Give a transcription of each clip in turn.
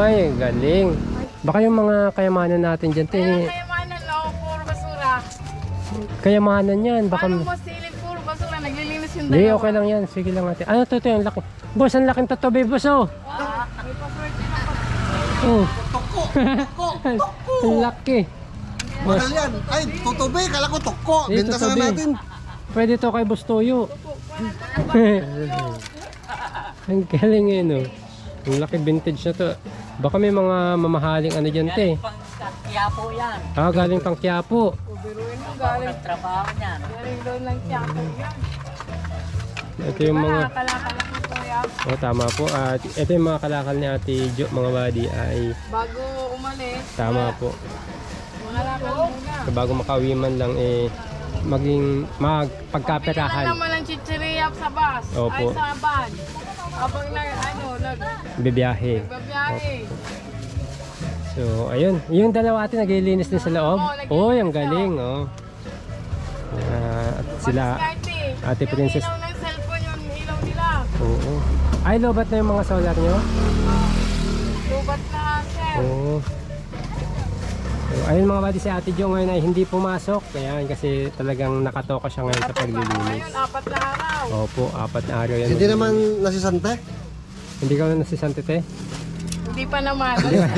Ay, galing. Baka yung mga kayamanan natin dyan, Kayamanan lang, puro basura. kayamanan yan. Baka... Paano mo silid, puro basura, naglilinis yung Hindi, dalawa. okay lang yan. Sige lang natin. Ano to, yung laki. Boss, ang laking tatobe, boss, oh. May paswerte na pa. Oh. Toko! Ang laki. Mahal yan. Ay, tutubi. Kala ko toko. Eh, Benta sana tutubi. natin. Pwede to kay Boss Toyo. Ang galing eh, no? Ang laki vintage na to. Baka may mga mamahaling ano dyan, te. Quiapo yan. Ah, galing pang Quiapo. Biruin mo, galing. Trabaho niyan. Galing doon lang tiyako yan. Ito yung mga... Kalakala ko po yan. Oh, tama po. At ito yung mga kalakal ni Ate Jo, mga buddy, ay Bago umalis, tama po. mga lakal muna. Bago makauwi man lang, eh, maging Pagkaperahan. magpagkaperahan. naman ang chichiriya sa bus. Opo. Ay, sa van. Habang Bibiyahe. nagbabiyahe. So, ayun. Yung dalawa atin naglilinis din sa loob. Oo, Oh, yung galing, oh. At sila, Ate Princess. Yung ilaw ng cellphone, yung ilaw nila. oo. Ay, lobat na yung mga solar nyo? Lubat na, sir. Oo. So, ayun mga buddy, si Ate Jo ngayon ay hindi pumasok. Kaya kasi talagang nakatoka siya ngayon sa paglilinis. Ngayon, 4 na araw. Opo, 4 na araw yan. Hindi naman nasisante. Hindi ka na nasisante, te? Hindi pa naman.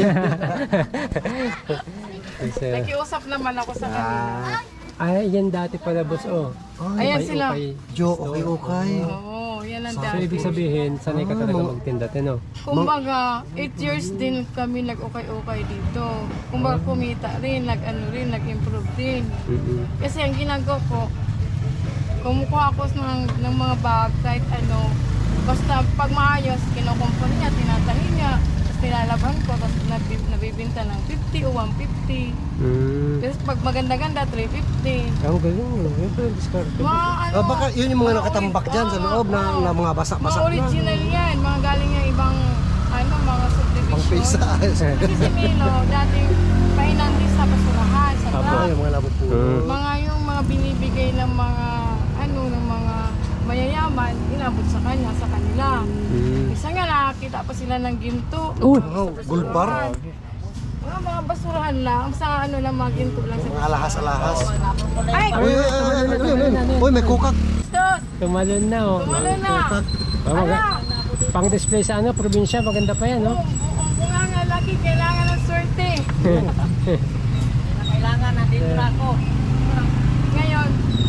Kasi, Nakiusap naman ako sa kanila. ay, yan dati pala, boss, oh. Ayan Okay, sila. okay. Jo, okay. Oo, yan ang So, dati. ibig sabihin, sanay ka talaga magtinda, te, no? Kumbaga, 8 years din kami nag-ukay-ukay dito. Kumbaga, kumita rin, nag-improve din. Kasi ang ginagawa ko, kumukuha ako ng mga bag, kahit ano, basta pag maayos, kinukumpon niya, tinatahi niya, tapos nilalaban ko, tapos nabibinta ng 50 o 150. Tapos pag maganda-ganda, 350. Ang galing, no? Yun pa yung diskarte. Mga ano, Baka yun yung mga nakatambak dyan sa loob na mga mga basak-basak na. original yan, mga galing yung ibang, ano, mga Pang pisa. subdivision. Kasi si Milo, dating painanti sa basurahan, sa Apo. truck. Yung mga labot po. Mga yung mga binibigay ng mga ano ng mga mayayaman, inabot sa kanya, sa kanila. Isa nga nakakita pa sila ng ginto. Uy! Oh, gold bar. Mga basurahan lang, sa ano lang mga ginto lang sa Mga alahas-alahas. Ay! Uy, may kukak. Tos! Tumalon na, oh. Tumalo na! Oh, pang display sa ano, probinsya, maganda pa yan, no? Kung bunga nga lagi, kailangan ng swerte. Kailangan nandito na ako. Ngayon,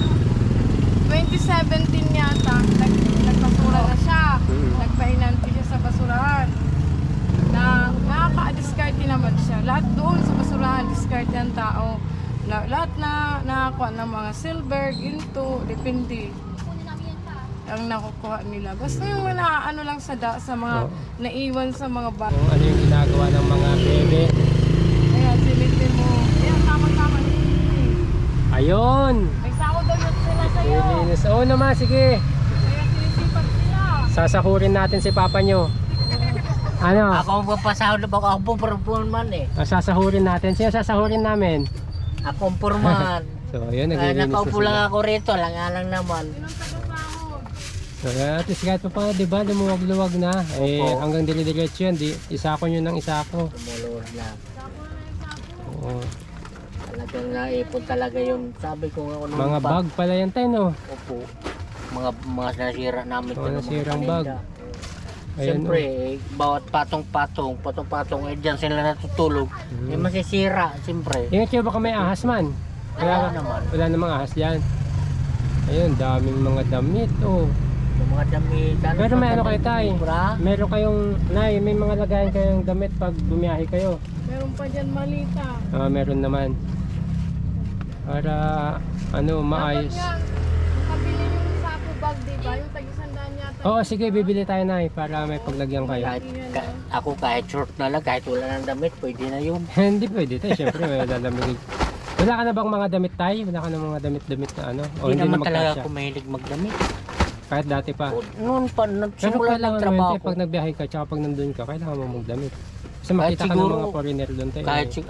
2017 yata, nagpasura na siya. Nagpainanti siya sa basurahan. Na nakaka-discarte naman siya. Lahat doon sa basurahan, discarte ang tao. Lahat na nakakuha ng mga silver, ginto, depende ang nakukuha nila. Basta yung mga ano lang sa mga naiwan sa mga bata. Kung ano yung ginagawa ng mga bebe. Ayan, silitin mo. Ayan, tama-tama. Ayun! May sahod daw yun sila sa'yo. Lilinis. Oo naman, sige. Kaya sinisipan sila. Sasahurin natin si papa nyo. Ano? Ako ang papasahod na bako. Ako pong purman eh. Sasahurin natin. Sino sasahurin namin? Ako ang purman. So, ayun, Kaya naglilinis na nakaupo lang sila. ako rito. Lang naman. Sinong taga-sahod? So, at least kahit pa pa, di ba, lumuwag-luwag na. Eh, Opo. hanggang dili-diretso yan. Isako nyo ng isako. Tumulong na. Oo. Talagang naipon talaga yung sabi ko nga. Ano, Mga bag pala yan tayo, no? Opo. Mga nasira namin. Mga to ng nasirang paninda. bag. Ayan, Siyempre, bawat patong-patong, eh dyan sila natutulog. Eh masisira, siyempre. Ingat kayo baka may ahas man. Wala naman. Wala namang ahas yan. Ayun, daming mga damit, oh. Yung mga damit. Pero may ano kayo tay? Bra? Meron kayong, nay, may mga lagayan kayong damit pag bumiyahe kayo. Meron pa dyan malita. Meron naman. Para, ano, maayos. Dapat nga, makabili yung sako bag, di ba? Yung tag-isandaan yata. Oo, sige, bibili tayo nay para may paglagyan kayo. Ako kahit short na lang, kahit wala ng damit, pwede na yun. Hindi pwede tayo, syempre may lalamig. Wala ka na bang mga damit tayo? Wala ka na mga damit-damit na ano? O Hindi naman na talaga magkasya? ako mahilig magdamit. Kahit dati pa. Noon pa, Pero nagsimula kailangan ng naman trabaho tayo, ko. pag nagbiyahe ka, tsaka pag nandun ka, kailangan mo magdamit. Kasi Kahit makita ka ng siguro- mga foreigner doon tayo.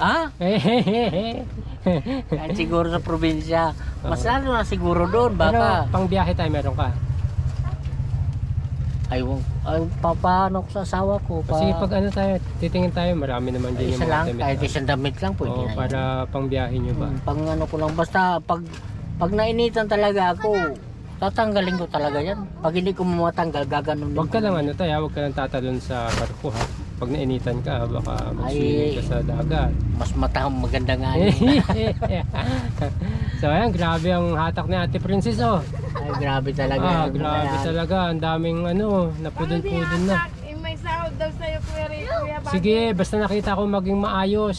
Kahit siguro sa probinsya. Mas lalo na siguro doon, Pero baka. pang biyahe tayo meron ka. papaano ko sa asawa ko. Kasi pag ano tayo, titingin tayo, marami naman din yung isa mga lang, damit. kahit isang damit lang pwede Oo, na yun. para pang biyahe nyo ba? Pang ano ko lang, basta pag nainitan talaga ako, tatanggalin ko talaga yan. Pag hindi ko matanggal, gaganon din Huwag ka ko. lang ano tayo, huwag ka lang tatalon sa barko ha. Pag nainitan ka, baka mag-swimming ka sa dagat. Mas maganda nga yun. So ayan, grabe ang hatak ni Ate Princess oh. Ay, grabe talaga. Ah, yun. grabe Ayan. talaga. Ang daming ano, napudon-pudon na. May sahod daw sa'yo, Kuya Bati. Sige, basta nakita ko maging maayos.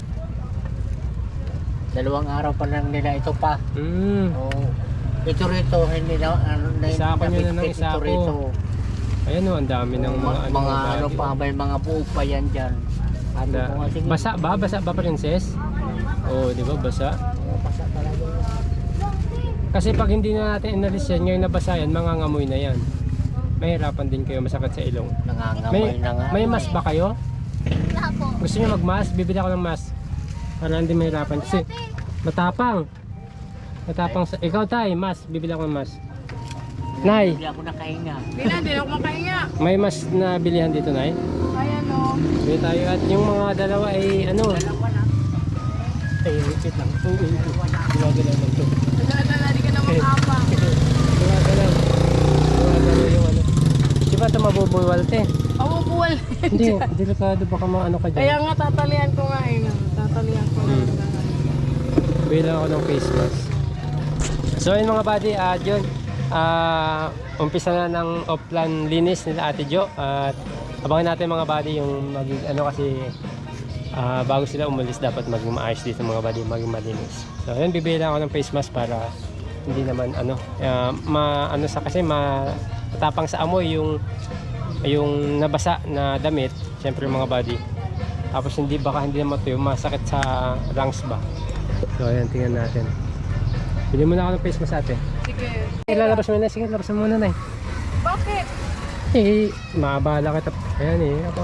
2 araw pa lang nila ito pa. Oh, ito rito, hindi na, Isa ako nyo na ng nabitbit isa ito ko. rito. Ayan oh, ang dami ng mga ano. mga ano bagay. pa, may mga buo pa yan dyan. Ano Na, ko nga, sige. basa ba? Basa ba, Princess? Oo, di ba? Basa. Oh, basa talaga yan. Kasi pag hindi na natin inalis yan, ngayon nabasa yan, mangangamoy na yan. Mahirapan din kayo, masakit sa ilong. Nangangamoy na nga. May mask ba kayo? Gusto niyo mag-mask? Bibili ako ng mask. Para hindi mahirapan. Kasi matapang. Matapang sa... Ikaw tay, mask. Bibili ako ng mask. Nay, Hindi ako nakahinga. Hindi ako makahinga. may mask na bilihan dito, Nay. Ayan o. Bili tayo. At yung mga dalawa ay ano? Ay, wait lang. Gumagalaw lang ito. Dala-dala, di ka na makapang. Gumagalaw. Gumagalaw yung ano. Di ba ito mabubuwal, te? Pabubuwal. Hindi, delikado baka maano ka Kaya dyan. nga tatalian ko nga eh. Tatalian ko nga. Bilang ako ng face mask. So yun mga buddy, yun. Umpisa na ng off-plan linis nila Ate Jo. At abangan natin mga buddy yung maging ano kasi bago sila umalis dapat maging maayos dito mga buddy, maging malinis. So yun, bibili lang ako ng face mask para hindi naman ano, ano sa kasi matapang sa amoy yung nabasa na damit, syempre mga buddy. Tapos hindi baka hindi naman ito yung masakit sa lungs ba. So ayan, tingnan natin. Bili muna ako ng face mask ate. Sige. Ilalabas mo na, sige, labas mo muna na eh. Bakit? Eh, maabala kita. Ayan eh, ako.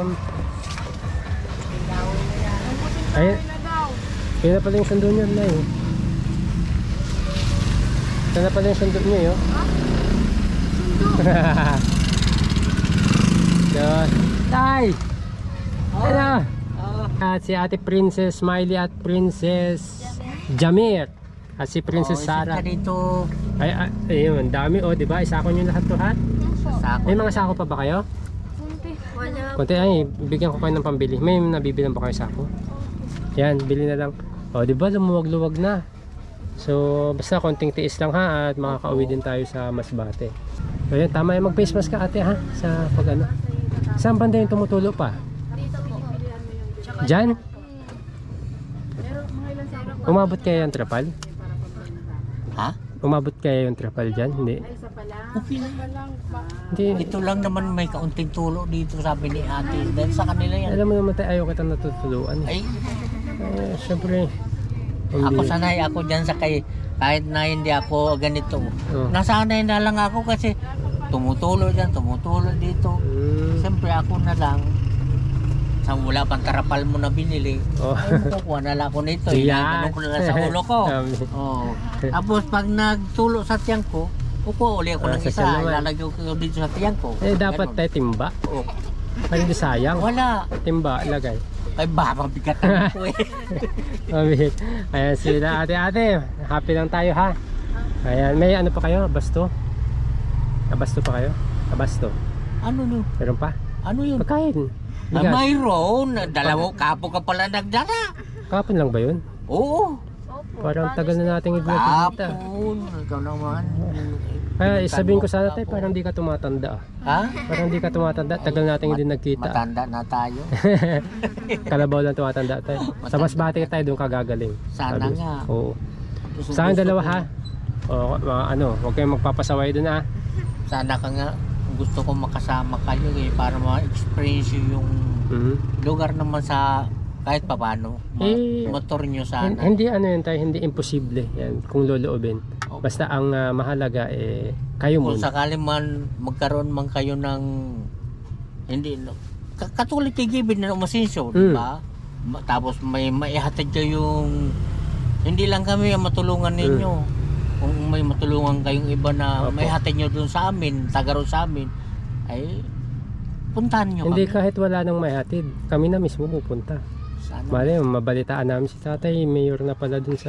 Ayan, Ay na daw. yun na pala yung sundo niyo na eh. Ito na pala yung sundo niyo eh. Yun. Tay! Ano? At si Ate Princess Smiley at Princess Jamir. At si Princess Sarah. Dito, Ay, ayun, dami oh, di ba? Isako nyo lahat to ha? sako. May mga sako pa ba kayo? Wala. Konti ay, bigyan ko kayo ng pambili. May nabibilang ba kayo sako? Yan, bili na lang. O, di ba? Lumuwag-luwag na. So, basta konting tiis lang ha at makakauwi din tayo sa Masbate. So, yan, tama yung mag-face mask ka ate ha sa pag ano. Saan banda yung tumutulo pa? Diyan? Umabot kaya yung trapal? Ha? Umabot kaya yung trapal dyan? Hindi. Okay lang. Hindi. Ito lang naman may kaunting tulo dito sabi ni ate. Dahil sa kanila yan. Alam mo naman tayo, ayaw kita natutuluan. Ay, Syempre. ako sanay ako dyan sa kahit na hindi ako ganito. Oh. Nasanay na lang ako kasi tumutulo dyan, tumutulo dito. Siyempre ako na lang. Sa wala pang tarapal mo na binili. Oh. Ay, kukuha na lang ako nito. Yan. Ganun ko na lang sa ulo ko. Oh. Tapos pag nagtulo sa tiyan ko, kukuha uli ako ng sa isa. tiyan naman. Ilalagay ko dito sa tiyan ko. Eh, dapat Ganun. tayo timba. Oh. Ay, hindi sayang. Wala. Timba, lagay. Ay, babang bigat ko eh. Mabit. Ayan sila, ate. Happy lang tayo ha. Ayan, may ano pa kayo? Basto? Abasto pa kayo? Abasto. Ano yun? Meron pa? Ano yun? Pagkain. Ah, Bigas. mayroon. Dalawa kapo ka pala nagdala. Kapon lang ba yun? Oo. Parang tagal na nating hindi nakikita. Kapon. Ikaw naman. Kaya sabihin ko sana tayo, parang di ka tumatanda ah. Ha? Parang di ka tumatanda. Tagal nating hindi nagkita. Matanda na tayo. Kalabaw lang tumatanda tayo. Sa Masbate tayo doon kagagaling. Sana Sabi. nga. Oo. Gusto- Sa akin gusto dalawa ko- ha. O, ano, huwag kayong magpapasaway doon ha. Sana ka nga. Gusto ko makasama kayo eh. Para ma-experience yung Mhm. lugar naman sa kahit papano. Eh, Motor nyo sana. Hindi ano yun tayo, hindi imposible yan kung loloobin. Basta ang mahalaga eh kayo Kung muna. sakali man magkaroon man kayo ng hindi no, katulad kay Gibin na umasinso, di ba? Tapos may maihatid kayo yung hindi lang kami ang matulungan ninyo. Kung may matulungan kayong iba na Opo. maihatid nyo dun sa amin, taga ron sa amin, ay puntahan nyo Hindi, kami. kahit wala nang may hatid, kami na mismo pupunta. Sana. Mali, mabalitaan namin si tatay, mayor na pala dun sa...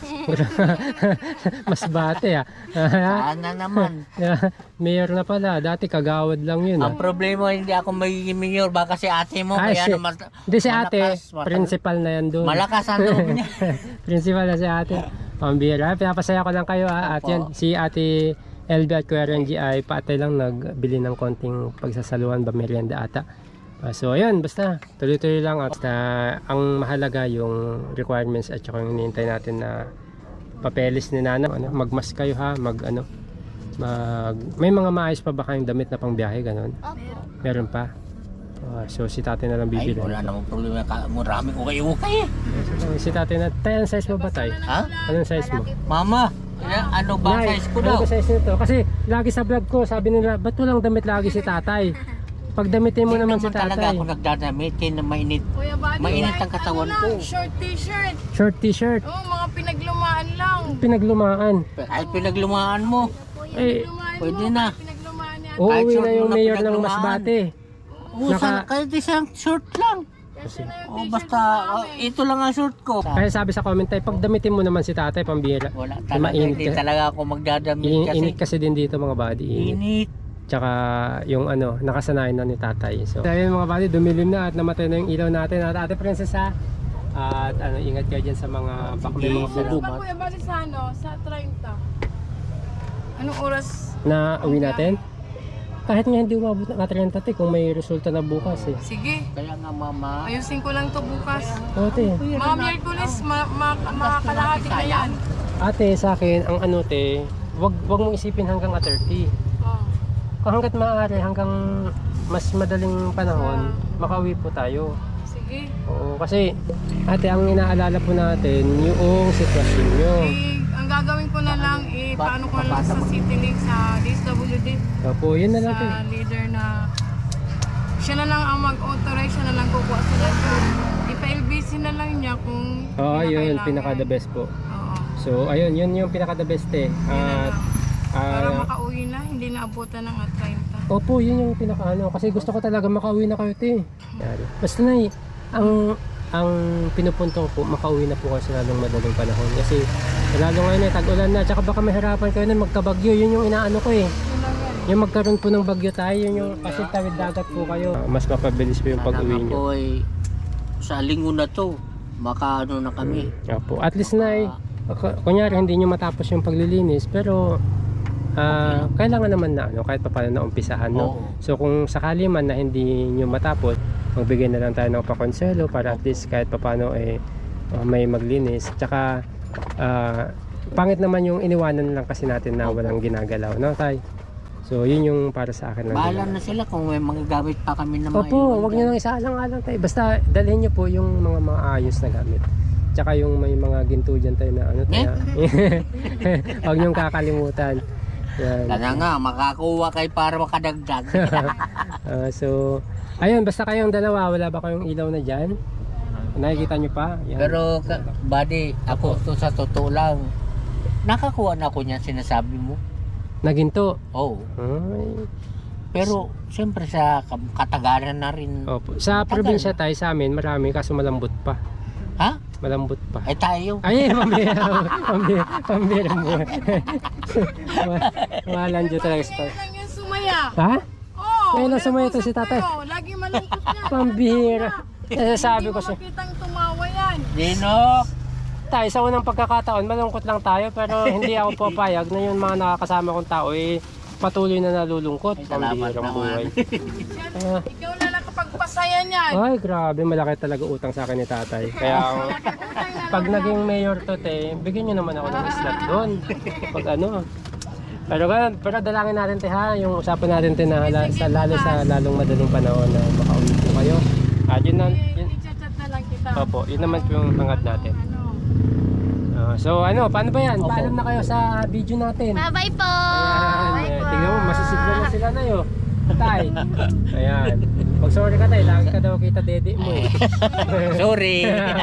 Mas bate ah. Sana naman. Mayor na pala, dati kagawad lang yun Ang ah. problema, hindi ako magiging mayor. Baka si ate mo, Ay, kaya si- naman... Hindi si ate, malakas, principal na yan doon. Malakas ang loob niya. Principal na si ate. Pambira. Pinapasaya ko lang kayo ha. At Opo. yan, si ate LB at Kuya Renji ay paatay lang nagbili ng konting pagsasaluhan ba merienda ata. So ayun, basta tuloy-tuloy lang. At ang mahalaga yung requirements at saka yung hinihintay natin na papeles ni Nana. Magmas kayo ha, may mga maayos pa ba kayong damit na pangbiyahe ganon? Meron pa. So si tatay na lang Ay, bibili. wala namang problema. Maraming ukay-ukay eh. Si tatay na, tayo ang size mo ba tay? Ha? Anong size mo? Mama, ano ba Nay, size ko ano daw? ba size nito? Kasi lagi sa vlog ko, sabi nila, ba't walang damit lagi si tatay? Pag damitin mo Hindi naman si talaga tatay. ako nagdadamit. Kaya mainit. Kuya Buddy, Mainit ang kahit katawan ano ko. lang, short t-shirt. Short t-shirt, Oo, mga pinaglumaan lang. pinaglumaan. Kahit pinaglumaan mo. Eh, Pinaglumaan Pwede mo, na. Pinaglumaan niya. Kahit uuwi short na mo yung na mayor ng pinaglumaan. Masbate. Kahit isang short lang. Kasi na yung Oh, t-shirt basta namin. ito lang ang short ko. Kaya sabi sa comment tayo, pag damitin mo naman si tatay, pambira. Wala talaga. Mainit Hindi ka- talaga ako magdadamit kasi. Init kasi din dito mga buddy. Init. Init. Tsaka yung ano, nakasanayan na ni tatay. So, ayun mga buddy, dumilim na at namatay na yung ilaw natin. At ate princess ha. At ano, ingat kayo dyan sa mga baka may mga Sa bubog ba, Kuya Buddy, sa ano? Sa 30. Anong oras? na uwi natin. Kahit nga hindi umabot ng 30 kung may resulta na bukas eh. Sige. Kaya nga mama. Ayusin ko lang to bukas. Ate, Mga Miyerkules, makakalahati na yan. ate sa akin, ang ano te, wag mong isipin hanggang 30. Oh. Kung hanggat maaari, hanggang mas madaling panahon, makauwi po tayo. Sige. Oo, kasi ate, ang inaalala po natin, yung sitwasyon nyo. Ang gagawin ko na lang, paano ko na lang sa CityLink, sa DSWD, Opo, yun na lang. sa leader na siya na lang ang mag-authorize, siya na lang kukuha sa letter. Ipa-LBC na lang niya kung Oo, yun, kinakailangan. pinaka the best po. Oo. So, ayun, yun yung pinaka the best eh. Yun na At, lang. Para ah, makauwi na, hindi na abutan ng 30. opo, yun yung pinaka ano. Kasi gusto ko talaga makauwi na kayo, te. Yan. Basta na ang pinupunto ko po, makauwi na po kayo sa lalong madaling panahon. Kasi lalo ngayon eh, tag-ulan na. Tsaka baka mahirapan kayo na magkabagyo. Yun yung inaano ko eh. Yun lang yan. Yung magkaroon po ng bagyo tayo, yun yung kasi tawid dagat po kayo. Mas mapabilis po yung pag-uwi Sana nyo. ako ay sa linggo na to, makaano na kami. Opo. At least na kunyari hindi nyo matapos yung paglilinis, pero kailangan naman na ano, kahit pa paano na umpisahan, no? Oo. So kung sakali man na hindi nyo matapos, magbigay na lang tayo ng pakonselo para at least kahit pa paano may maglinis. Tsaka pangit naman yung iniwanan lang kasi natin na walang ginagalaw, no tay? So yun yung para sa akin lang. Bahala na sila kung may mga gamit pa kami na Opo, wag nyo nang isaalang-alang tayo. Basta dalhin nyo po yung mga maayos na gamit. Tsaka yung may mga ginto dyan tayo na ano tayo. Wag nyo kakalimutan. Yan. Kaya nga, makakuha kayo para makadagdag. So, ayun, basta kayong dalawa, wala ba kayong ilaw na dyan? Nakikita nyo pa? Yan. Pero, buddy, ako to sa totoo lang, nakakuha na ako niyan sinasabi mo. Na ginto. Oo. Ay. Pero, siyempre sa katagaran na rin. Opo. Sa Tagal. probinsya tayo, sa amin, marami kaso malambot pa. Ha? Malambot pa. Ay tayo. Ay, pambira mo. Malandyo talaga sa Ngayon lang yan sumaya. Ha? Oo. Ngayon lang sumaya to si nag-usap tatay. tayo. Lagi malungkot yan. Pambira. Sabi ko Hindi siya. mo makitang tumawa yan. Dino! Tayo, sa unang pagkakataon, malungkot lang tayo, pero hindi ako papayag na yung mga nakakasama kong tao patuloy na nalulungkot. Ay, salamat Pambirang naman. buhay. Ah. Ikaw na lang kapag pasaya niyan. Ay, grabe, malaki talaga utang sa akin ni tatay. Kaya pag naging mayor to, te, bigyan nyo naman ako ng slot doon. Pag ano. Pero dalangin natin, te, ha, yung usapan natin, te, na lalo sa lalong madaling panahon na makauwi po kayo. At yun na, yun, I-chat na lang kita. opo, yun naman po yung hangad natin. Ano? So ano, paano ba yan? Opo. Paalam na kayo sa video natin. Bye-bye po! Ayan, tignan mo, masisigla na sila na yun. Tay. Ayan. Pag sorry ka tayo, lagi ka daw kita dede mo eh. Sorry.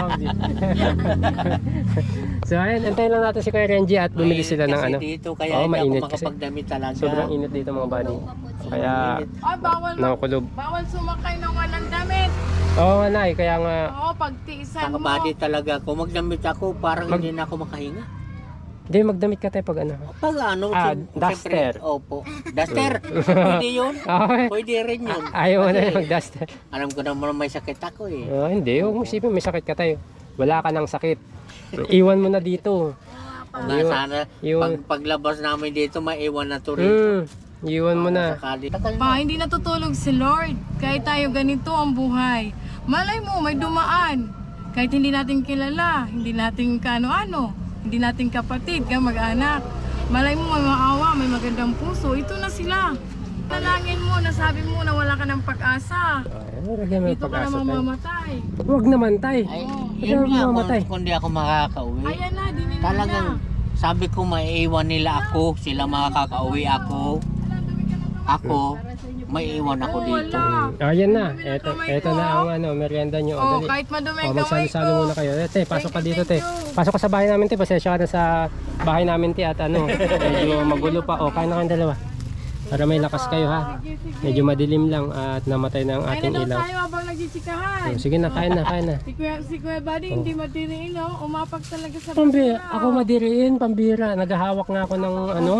So ayun, antayin lang natin si Kuya Renji at bumili sila ng Kasi ano. dito kaya Oo, hindi mainit ako kasi. makapagdamit talaga. Sobrang init dito mga buddy. Kaya Ay, nakukulob. bawal sumakay ng walang damit. Oo nga nay, kaya nga Oo, pagtiisan mo. Nakabadi talaga. Kung magdamit ako, parang hindi na ako makahinga. hindi magdamit ka tayo pag ano. Pag ano, Duster. Opo. Duster. Pwede yun. Okay. Pwede rin yun. Ayaw mo na Kasi yung mag-duster. Alam ko naman may sakit ako eh. Hindi, huwag mo isipin may sakit ka tayo. Wala ka ng sakit. Iwan mo na dito. Nga sana, Yun. paglabas namin dito, maiwan na to rin. Iwan mo na. Sakali. Pa, hindi natutulog si Lord. Kahit tayo ganito ang buhay. Malay mo, may dumaan. Kahit hindi natin kilala, hindi natin kaano-ano, hindi natin kapatid, mag-anak. Malay mo, may maawa, may magandang puso. Ito na sila. Nalangin mo, nasabi mo na wala ka ng pag-asa. Lagyan mo yung Dito ka na pag-asa tayo. mamamatay. Huwag naman tayo. Ay, Ba't yun nga, mamatay? kung di ako makakauwi. Ayan na, dinila Talagang, na. sabi ko maiiwan nila ako, sila makakauwi ako. Ako, maiiwan ako Oo, dito. wala. Ayan na. Madumi na Eto, kamay eto ko. na ang ano, merienda nyo. Oh, Dali. kahit madumi Oh, ang kamay ko. magsalo-salo muna kayo. Te, pasok ka Thank you, dito, te. thank you. Pasok ka sa bahay namin, te. Pasensya ka na sa bahay namin, te. At ano, medyo magulo pa. O, kain na kayong dalawa. Para may lakas kayo, ha. Sige, sige. Medyo madilim lang at namatay na ang Kain ating na daw ilaw. tayo habang nagchichikahan. Oh, sige na, kain na, kain na. Si Kuya Buddy, hindi matiriin, no? Umapag talaga sa Pambira, basura. ako madiriin, pambira. Naghahawak nga ako ng ano.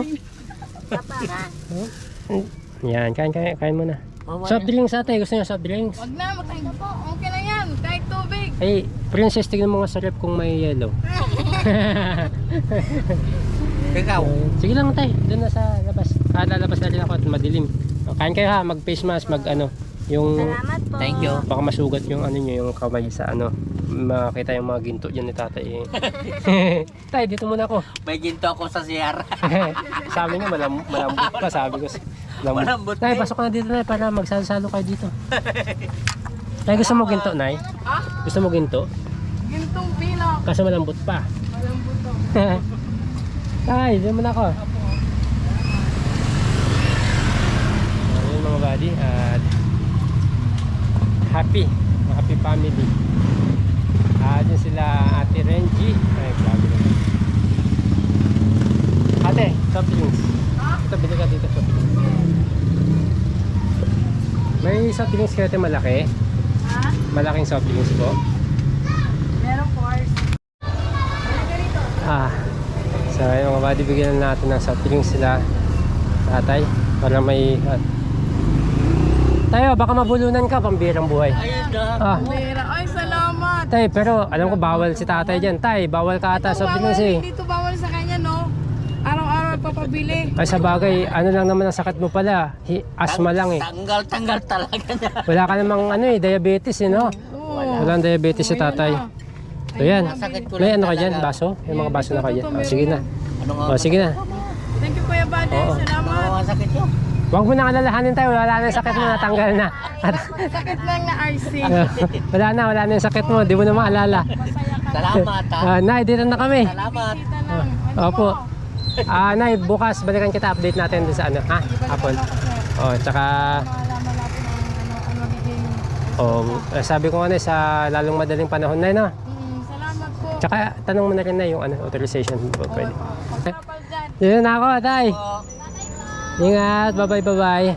Oh. Yan, kain mo na. Soft drinks ate, gusto niyo soft drinks? Wag na, makain po. Okay na yan, kahit tubig. Ay, princess, tignan mo nga sa rep kung may yellow. Ikaw, Sige lang tay, doon na sa labas. Lalabas na rin ako at madilim. Kain kayo ha, mag face mask, mag ano, yung thank you. baka masugat yung ano nyo, yung kamay sa ano. Makita yung mga ginto dyan ni tatay. Tay, dito muna ako. May ginto ako sa CR. Sabi niya malambot pa, sabi ko. Malambot Tay, eh. pasok ka na dito na para magsalo-salo kayo dito. Tay, gusto mo ginto, Nay? Ha? Gusto mo ginto? Gintong pilak. Kaso malambot pa. Walang buto. Tay, dyan muna ako. Ayun mga buddy, at happy family. Dyan sila Ate Renji. Ay, grabe naman. Ate, soft drinks. Ito, bili ka dito soft drinks. May soft drinks kayo ate malaki? Ha? Malaking soft drinks po? Meron course. So ayun mga buddy, bigyan natin ng soft drinks sila tatay para may tayo, baka mabulunan ka, pambirang buhay. Ayun na. Pera. Ay, salamat. Tay, pero alam ko bawal si tatay dyan. Tay, bawal ka ata soft drinks eh. Dito bawal sa kanya, no? Araw-araw papabili. Ay sa bagay, ano lang naman ang sakit mo pala, asthma lang eh. Tanggal talaga na. Wala ka namang ano eh, diabetes eh no? Oo. Walang diabetes si tatay. So yan, Sakit ko may lang ano ka dyan, talaga. baso? May mga baso na ka dyan. Oh, sige na. Ano nga? Oh, sige na. Thank you, Kuya Buddy. Oo. Salamat. Ano nga sakit yun? Huwag mo na alalahanin tayo, wala na yung sakit mo, natanggal na. Sakit lang na RC. wala na yung sakit mo, di mo na maalala. Salamat ha. Nay, dito na kami. Salamat. Kita lang. Opo. Nay, bukas balikan kita, update natin dun sa ano, ha? Hapon. Oh, tsaka Malaman natin ang magiging... sabi ko nga na sa lalong madaling panahon na no. Salamat po. Tsaka tanong mo na rin na yung ano, authorization po pwede. Kapal dyan. Dito na ako, tay. Ingat, bye-bye.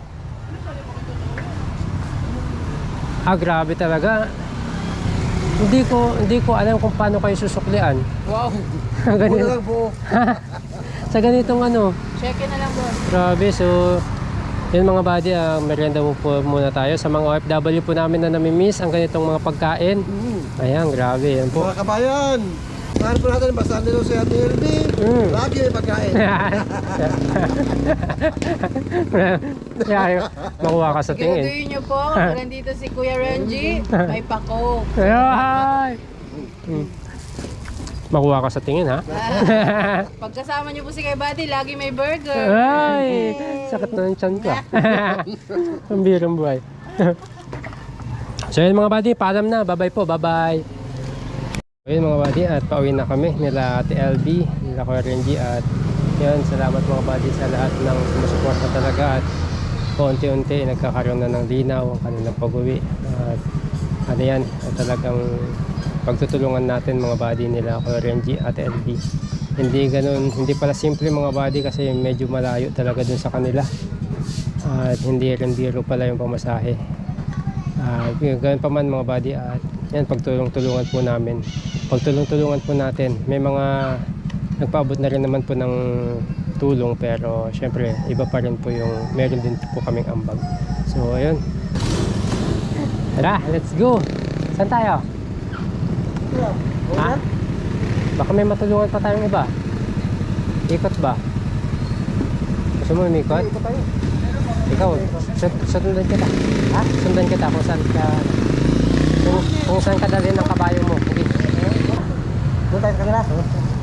Grabe talaga. Hindi ko alam kung paano kayo susuklian. Wow. Ganito. Lang po. Sa ganitong ano. Check na lang, boss. Grabe, so yun mga buddy, merienda mo po muna tayo sa mga OFW po namin na namimiss ang ganitong mga pagkain. Ayan, grabe, yan po. Mga kabayan, saan po natin basahan nito si Ate LB? Lagi may pagkain. Kaya makuha ka sa tingin. Graduin niyo po, nandito si Kuya Renji, may pako. Ay! Makuha ka sa tingin ha. Pagkasama niyo po si Kuya Buddy, lagi may burger. Ay! Sakit na ng tiyan ko. Ang birang buhay. So yun mga buddy, paalam na. Bye-bye po, bye-bye. Ayun mga buddy, at pauwi na kami nila Ate LB, nila Kuya Renji, at yun, salamat mga buddy sa lahat ng sumusuporta talaga at paunti-unti nagkakaroon na ng linaw ang kanilang pag-uwi. At ano yan, talagang pagtutulungan natin mga buddy nila Kuya Renji at LB. Hindi ganun, hindi pala simple mga buddy kasi medyo malayo talaga dun sa kanila. At hindi rin biro pala yung pamasahe. Ganun pa man mga buddy, at yan, pagtulong-tulungan po namin. Pagtulong-tulungan po natin. May mga nagpaabot na rin naman po ng tulong, pero syempre iba pa rin po yung meron din po kaming ambag. So ayun, tara, let's go. Saan tayo? Ha? Baka may matulungan pa tayong iba. Ikot ba? Gusto mo umikot? Ikaw, sundan kita. Ha? Sundan kita kung saan ka, kung saan ka dalhin ng kabayo mo. Okay. Doon tayo sa kanila.